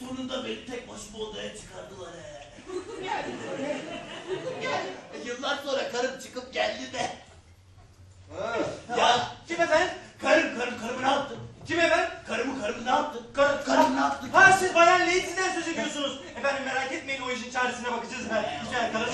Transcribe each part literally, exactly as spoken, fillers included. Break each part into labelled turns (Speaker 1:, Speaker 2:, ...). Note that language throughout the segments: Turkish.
Speaker 1: sonunda beni tek başıma odaya çıkardılar he. Yani böyle. Yani yıllar sonra karım çıkıp geldi de.
Speaker 2: Ha.
Speaker 1: Ya
Speaker 2: Kim efendim?
Speaker 1: karım karım karımı ne yaptın?
Speaker 2: Kim efendim?
Speaker 1: Karımı karımı ne yaptın?
Speaker 2: Kar
Speaker 1: Karım ne yaptın?
Speaker 2: Ha siz Bayan Lady'den söz ediyorsunuz. Efendim merak etmeyin, o işin çaresine bakacağız. Güzel karınız.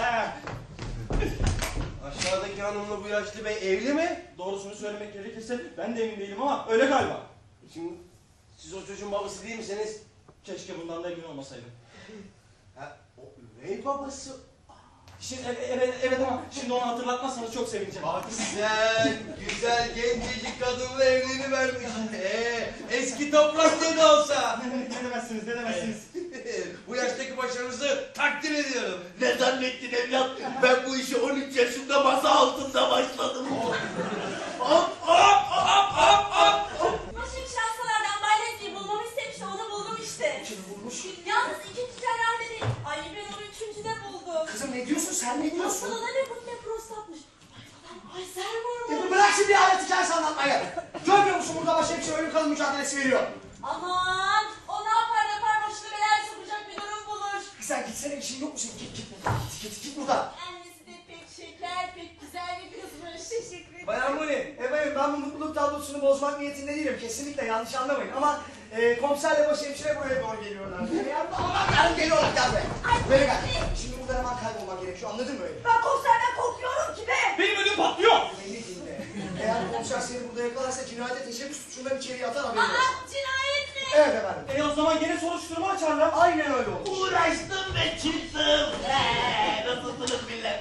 Speaker 2: Aşağıdaki hanımla bu yaşlı bey evli mi? Doğrusunu söylemek gerekirse ben de emin değilim ama öyle galiba. Şimdi siz o çocuğun babası değil misiniz? Keşke bundan da emin olmasaydım.
Speaker 1: Ha, o üvey babası.
Speaker 2: Şimdi, evet, evet, evet ama şimdi onu hatırlatmazsanız çok sevineceğim.
Speaker 1: Bak sen güzel gencecik kadınla evlenivermiş. Ee, eski toprak ne de olsa.
Speaker 2: Ne demezsiniz, ne demezsiniz.
Speaker 1: Bu yaştaki başarınızı takdir ediyorum. Ne zannettin evlat? Ben bu işi on üç yaşında masa altında başladım. Hop hop hop hop hop.
Speaker 3: Başım şanslılardan Bay Leslie'yi bulmamı istemişti, onu buldum işte.
Speaker 4: Kim bulmuş?
Speaker 3: Yalnız ikinci cerrahide değil. Ay ben onu üçüncüde buldum.
Speaker 4: Kızım ne diyorsun sen, ne diyorsun?
Speaker 3: Hastalığına ne kut ne prostatmış. Ay babam, ay sermur
Speaker 4: Ya bırak şimdi hayat hikayesi anlatmayı. Görmüyor musun burada başhemşire ölüm kalım mücadelesi veriyor.
Speaker 3: Aman, o ne yapar yapar başına belaya sokacak bir durum bulur.
Speaker 4: Sen gitsene, işin yok mu senin? Git git buradan, git git git buradan.
Speaker 3: Annesi de pek şeker, pek güzel bir kızmış. Teşekkür ederim.
Speaker 4: Bayan Muni, efendim ben bu mutluluk tablosunu bozmak niyetinde değilim. Kesinlikle yanlış anlamayın ama e, komiserle başhemşire buraya doğru geliyorlar. Yani aman yarın geliyorlar, gel be. Böyle gel. Şimdi buradan hemen kaybolmak gerekiyor, anladın mı öyle?
Speaker 3: Ben komiserden korkuyorum ki be.
Speaker 2: Benim ödüm patlıyor.
Speaker 4: Belli dinle. Eğer komiser seni burada yakalarsa cinayete teşebbüs suçundan içeriye atar, haberin olsun.
Speaker 3: Aa, cinayet mi?
Speaker 4: Evet efendim.
Speaker 2: E o zaman gene soruşturma açarlar.
Speaker 4: Aynen öyle olur.
Speaker 1: Uğraştım ve çıktım. Ee, nasılsınız millet?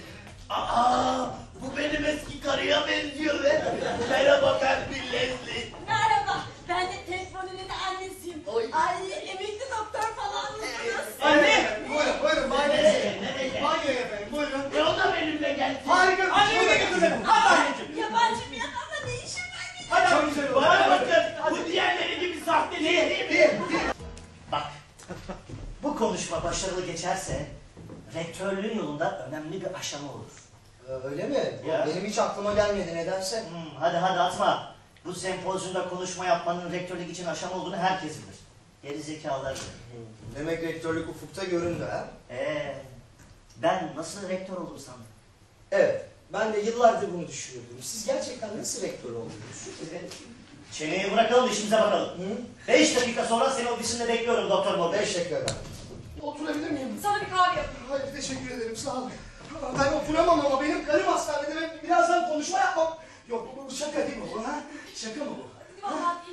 Speaker 1: Aa, bu benim eski karıya benziyor be. Merhaba ben bir Leslie.
Speaker 3: Merhaba, ben de Teflon'un annesiyim.
Speaker 1: Oy.
Speaker 3: Ay, emekli doktor falan mısınız?
Speaker 2: Anne!
Speaker 4: Buyurun, buyurun. Banyoya, banyoya efendim, buyurun.
Speaker 1: E o da benimle gelsin.
Speaker 4: Harika.
Speaker 2: Annemi de götür beni. Hadi anneciğim.
Speaker 3: Yabancı bir adamla ne işim var benim?
Speaker 2: Hadi
Speaker 4: Çok
Speaker 2: abi.
Speaker 4: güzel oldu.
Speaker 1: Bana bakın, bu diğerleri gibi sahte değil, değil mi?
Speaker 5: Bak, bu konuşma başarılı geçerse rektörlüğün yolunda önemli bir aşama olur.
Speaker 4: Öyle mi?
Speaker 5: Ya.
Speaker 4: Benim hiç aklıma gelmedi nedense.
Speaker 5: Hmm, hadi hadi atma. Bu sempozyumda konuşma yapmanın rektörlük için aşama olduğunu herkes bilir. Geri zekalılar bilir.
Speaker 4: Demek rektörlük ufukta göründü ha?
Speaker 5: Ee, ben nasıl rektör olurum sandım?
Speaker 4: Evet. Ben de yıllardır bunu düşünüyordum. Siz gerçekten nasıl rektör oldunuz?
Speaker 5: Çeneyi bırakalım, işimize bakalım.
Speaker 4: Hı?
Speaker 5: Beş dakika sonra seni ofisinde bekliyorum Doktor Morgan.
Speaker 4: Beş dakika efendim. Oturabilir miyim?
Speaker 3: Sana bir kahve yapayım.
Speaker 4: Hayır, teşekkür ederim, sağ olun. Ben oturamam ama benim karım hastanede ve birazdan konuşma yapmam. Yok, bu şaka değil mi bu ha? Şaka mı bu?
Speaker 3: Vallahi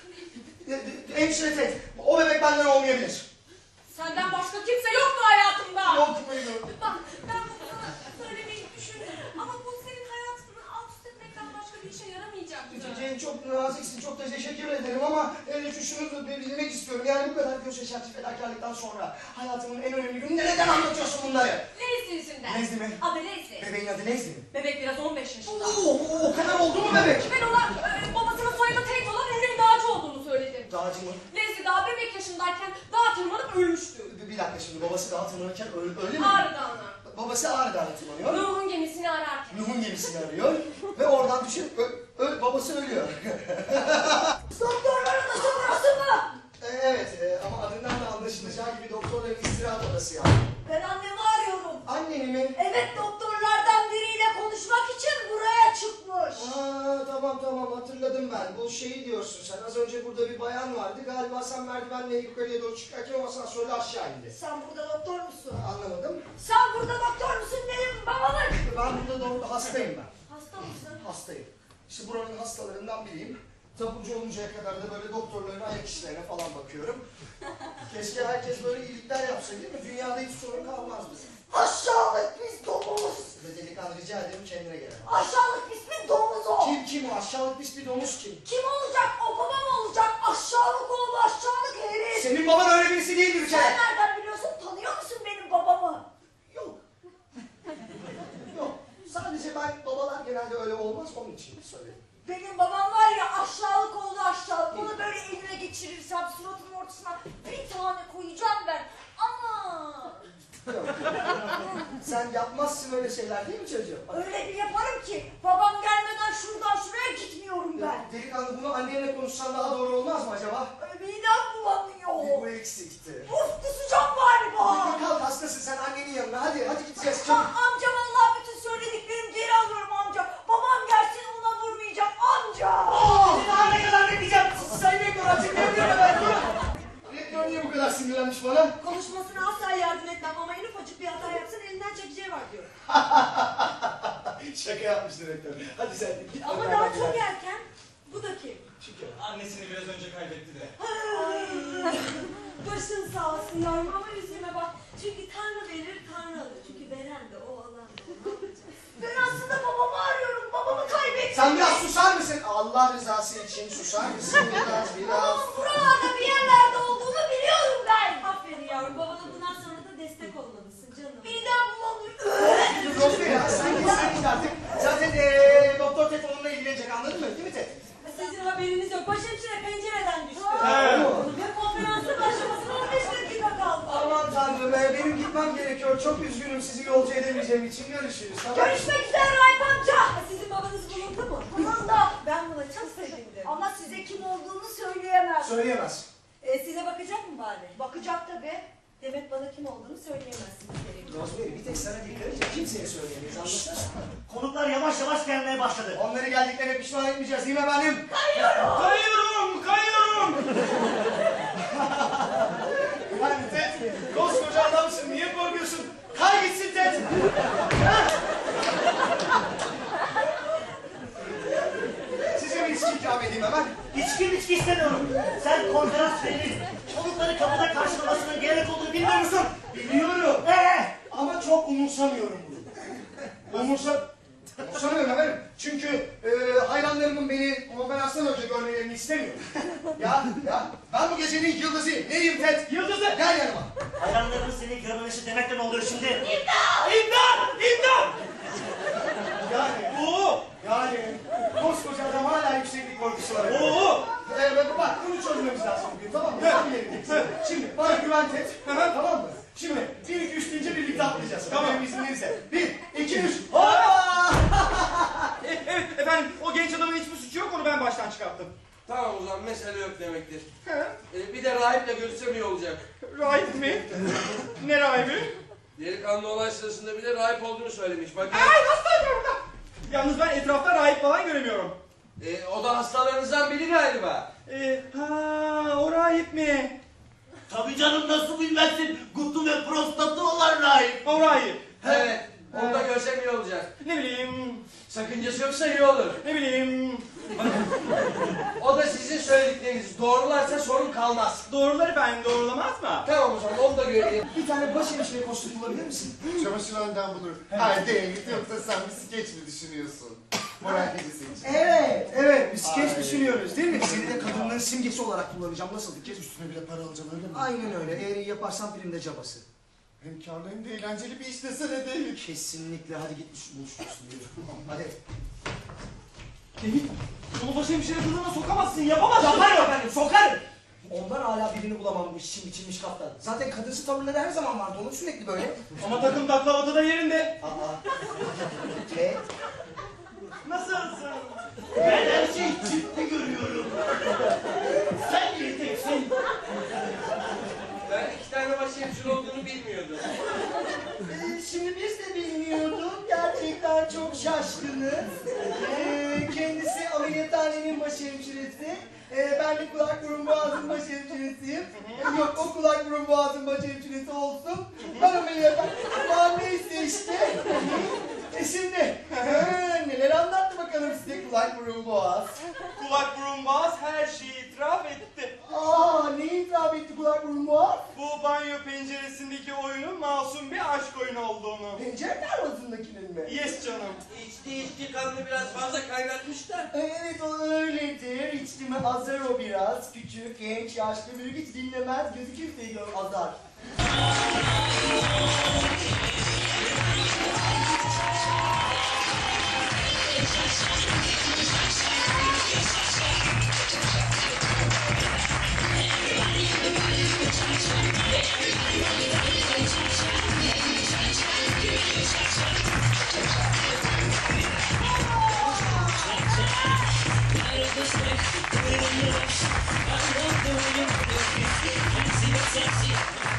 Speaker 4: Hemşire tek, o bebek benden olmayabilir.
Speaker 3: senden başka kimse yoktu hayatımda.
Speaker 4: Yok, buyurun.
Speaker 3: Bak, ben bunu sana söylemeyi düşündüm. Ama bu senin hayatını alt üst etmekten başka bir işe yaramayacaktı.
Speaker 4: Cem, çok naziksin, çok da teşekkür ederim ama e, şu şunu da bilmek istiyorum. Yani bu kadar göz yaşartıcı fedakarlıktan sonra hayatımın en önemli gününde neden anlatıyorsun bunları?
Speaker 3: Leslie yüzünden.
Speaker 4: Leslie mi?
Speaker 3: Adı Leslie.
Speaker 4: Bebeğin adı Leslie mi?
Speaker 3: Bebek biraz on beş yaşında.
Speaker 4: Oo, o kadar oldu mu bebek?
Speaker 3: Ben ona e, babasının soyadı tek olan Henry Dağcı olduğunu söyledim.
Speaker 4: Dağcı mı?
Speaker 3: Leslie daha bebek yaşındayken dağa tırmanıp ölmüştü.
Speaker 4: Bir, bir dakika şimdi, babası dağa tırmanırken öyle, öyle mi?
Speaker 3: Ağrı Dağı'na.
Speaker 4: Babası Ağrı Dağı'na tırmanıyor.
Speaker 3: Nuh'un gemisini ararken.
Speaker 4: Nuh'un gemisini arıyor ve oradan düşüp ö, ö, babası ölüyor.
Speaker 3: Doktorların da sonrası mı?
Speaker 4: E, evet e, ama adından da anlaşılacağı gibi doktorların istirahat odası yani.
Speaker 3: Ben annemi arıyorum.
Speaker 4: Anneni mi?
Speaker 3: Evet, doktorlardan biriyle konuşmak için buraya çıkmış.
Speaker 4: Aa, tamam tamam, hatırladım ben. Bu şeyi diyorsun sen. Az önce burada bir bayan vardı. Galiba sen merdivenle yukarıya doğru çıkarken o asansörle aşağı indi.
Speaker 3: Sen burada doktor musun?
Speaker 4: Anlamadım.
Speaker 3: Sen burada doktor musun dedim babalık.
Speaker 4: Ben burada doğru hastayım ben.
Speaker 3: Hasta mısın?
Speaker 4: Hastayım. İşte buranın hastalarından biriyim. Taburcu oluncaya kadar da böyle doktorların ayak işlerine falan bakıyorum. Keşke herkes böyle iyilikler yapsa değil mi? Dünyada hiç sorun kalmazdı.
Speaker 3: Aşağılık biz domuz.
Speaker 4: Ve delikanlı, rica ederim kendine gel.
Speaker 3: Aşağılık biz bir domuz o.
Speaker 4: Kim kim o? Aşağılık pis bir domuz kim?
Speaker 3: Kim olacak? O babam olacak. Aşağılık oğlu aşağılık herif.
Speaker 4: Senin baban öyle birisi değildir bir
Speaker 3: Sen
Speaker 4: kere.
Speaker 3: nereden biliyorsun? Tanıyor musun benim babamı?
Speaker 4: Yok. Yok. Sadece ben, babalar genelde öyle olmaz, onun için söyledim.
Speaker 3: Benim babam var ya, aşağılık oğlu aşağılık. Onu böyle eline geçirirsem suratının ortasına bir tane koyacağım ben. Ama
Speaker 4: Yok. Sen yapmazsın öyle şeyler değil mi çocuğum?
Speaker 3: öyle bir yaparım ki babam gelmeden şuradan şuraya gitmiyorum ben.
Speaker 4: Delikanlı, bunu annenle konuşsan daha doğru olmaz mı acaba?
Speaker 3: Midem bulanıyor.
Speaker 4: Bu ikisi Şaka yapmıştır rektör. Hadi sen git.
Speaker 3: Ama
Speaker 4: Ömer
Speaker 3: daha
Speaker 4: hadi
Speaker 3: çok
Speaker 4: hadi.
Speaker 3: erken. Bu da kim?
Speaker 4: Şükür.
Speaker 2: Annesini biraz önce kaybetti de.
Speaker 3: Ay, başın sağ olsun yavrum ama üzülme bak. Çünkü Tanrı verir, Tanrı alır. Çünkü veren de o, alan da o. Ben aslında babamı arıyorum. Babamı kaybettim.
Speaker 4: Sen biraz susar mısın? Allah rızası için susar mısın biraz biraz?
Speaker 3: Babamın buralarda bir yerlerde olduğunu biliyorum ben. Aferin yavrum. Babana bundan sonra da destek olmalısın canım. Midem bulanıyor.
Speaker 4: Dur Rosemary ya sen git sen git artık. Zaten ee, Doktor Ted onunla ilgilenecek anladın mı? Değil mi Ted?
Speaker 3: Sizin haberiniz yok. Başhemşire pencereden düştü.
Speaker 4: Evet.
Speaker 3: Ve konferansın başlamasına on beş dakika kaldı.
Speaker 4: Aman tanrım be, benim gitmem gerekiyor. Çok üzgünüm sizi yolcu edemeyeceğim için. Görüşürüz. Tamam.
Speaker 3: Görüşmek üzere Raip amca. Sizin babanız bulundu mu? Bulundu. Ben buna çok sevindim. Ama size kim olduğunu söyleyemez.
Speaker 4: Söyleyemez.
Speaker 3: Ee, size bakacak mı bari? Bakacak tabii. Demek bana kim olduğunu söyleyemezsiniz.
Speaker 4: Rosemary bir tek sana dikkat edeceğim. Kimseye söyleyemeyiz anlasana.
Speaker 5: Konuklar yavaş yavaş gelmeye başladı.
Speaker 4: Onları geldiklerine pişman etmeyeceğiz değil mi efendim?
Speaker 2: Kayıyorum, kayıyorum.
Speaker 4: Yani Ted, koskoca adamsın. Niye korkuyorsun? Kay gitsin Ted. Ha? Size bir içki ikram edeyim hemen.
Speaker 5: İçki içki istemiyorum. Sen konferans verin. Konukları kapıda karşılamasının gerek olduğunu bilmiyor musun?
Speaker 4: Biliyorum.
Speaker 5: Ee,
Speaker 4: Ama çok umursamıyorum bunu. Umursa... Umursamıyorum efendim. Çünkü e, hayranlarımın beni konferanstan önce görmelerini istemiyorum. ya, ya, ben bu gecenin yıldızıyım. Neyim Ted?
Speaker 2: Yıldızı.
Speaker 4: Gel yanıma.
Speaker 5: hayranların seni görmemesi demekle ne oluyor şimdi?
Speaker 2: İmdat, imdat.
Speaker 4: Yani,
Speaker 2: Oo,
Speaker 4: yani, koskoca adam hala yükseklik korkusu var.
Speaker 2: oo.
Speaker 4: Ee, bak, bak, bunu çözmemiz lazım bugün, tamam mı? Tam yerindeyiz. Şimdi, bana güven Ted, tamam mı? Şimdi, bir, iki, üç deyince birlikte atlayacağız.
Speaker 2: Tamam.
Speaker 4: Benim izin verirse. Bir, iki, üç, hoppa!
Speaker 2: E, evet efendim, o genç adamın hiçbir suçu yok, onu ben baştan çıkarttım.
Speaker 1: Tamam o zaman mesele yok demektir. Ee, bir de rahiple görüşsem iyi olacak.
Speaker 2: Rahip mi? Ne rahibi?
Speaker 1: Delikanlı olay sırasında bir de rahip olduğunu söylemiş. Bakın.
Speaker 2: Ay hastayım ben burada. Yalnız ben etrafta rahip falan göremiyorum.
Speaker 1: Ee, o da hastalarınızdan biri galiba.
Speaker 2: Ee, ha, o rahip mi?
Speaker 1: Tabii canım nasıl bilmezsin. Gutu ve prostatı olan rahip.
Speaker 2: O rahip.
Speaker 1: Evet. Onu da görsem iyi olacak.
Speaker 2: Ne bileyim,
Speaker 1: Sakıncası yoksa iyi olur.
Speaker 2: ne bileyim.
Speaker 1: O da sizin söyledikleriniz doğrularsa sorun kalmaz.
Speaker 2: Doğruları ben doğrulamaz mı?
Speaker 1: Tamam o zaman onu da göreyim.
Speaker 4: Bir tane başhemşire kostüm bulabilir misin?
Speaker 6: Çamaşır önden bulur. Hayır değil. Yoksa sen bir skeç mi düşünüyorsun? Moral gecesi için.
Speaker 4: Evet, evet. Biz skeç
Speaker 6: Ay.
Speaker 4: düşünüyoruz değil mi? Seni de kadınların simgesi olarak kullanacağım. Nasıl fikir?
Speaker 6: Üstüne bile para alacağım öyle mi?
Speaker 4: Aynen öyle. Eğer iyi yaparsan filmde cabası.
Speaker 6: Hem karlı hem de eğlenceli bir iş desene değil.
Speaker 4: Kesinlikle. Hadi git buluşursun. Hadi.
Speaker 2: Değil. Onu başhemşire kılığına sokamazsın, yapamazsın.
Speaker 4: Yaparım efendim, sokarım. Ondan hala birini bulamam işçi biçilmiş kaptan. Zaten kadınsı tavırları her zaman vardı. Onun sürekli böyle.
Speaker 2: Ama takım takla da yerinde.
Speaker 4: Aa. Ve
Speaker 2: Nasılsın?
Speaker 5: Ben her şeyi ciddi görüyorum. Sen yiyeceksin.
Speaker 1: Ben iki tane başhemşire olduğunu bilmiyordum.
Speaker 4: Ee, şimdi biz de bilmiyorduk. Gerçekten çok şaşkınız. Ee, kendisi ameliyathanenin başhemşiresi. Ee, ben de kulak burun boğazın başhemşiresiyim. Ee, yok o kulak burun boğazın başhemşiresi olsun. Ben ameliyathane... Aman neyse işte. E şimdi ee, neler anlattı bakalım size kulak burun boğaz.
Speaker 2: Kulak burun boğaz her şeyi itiraf etti.
Speaker 4: Aa ne itiraf etti kulak burun boğaz?
Speaker 2: Bu banyo penceresindeki oyunun masum bir aşk oyunu olduğunu.
Speaker 4: Pencere tarlasındakinin mi?
Speaker 2: Yes canım.
Speaker 1: İçti içti kanını biraz fazla kaynatmış da.
Speaker 4: Evet o öyledir. İçtimi azar o biraz. Küçük, genç, yaşlı, büyük hiç dinlemez. Gözü kimseyi gör azar.
Speaker 7: I love the way you look. I see the sexy.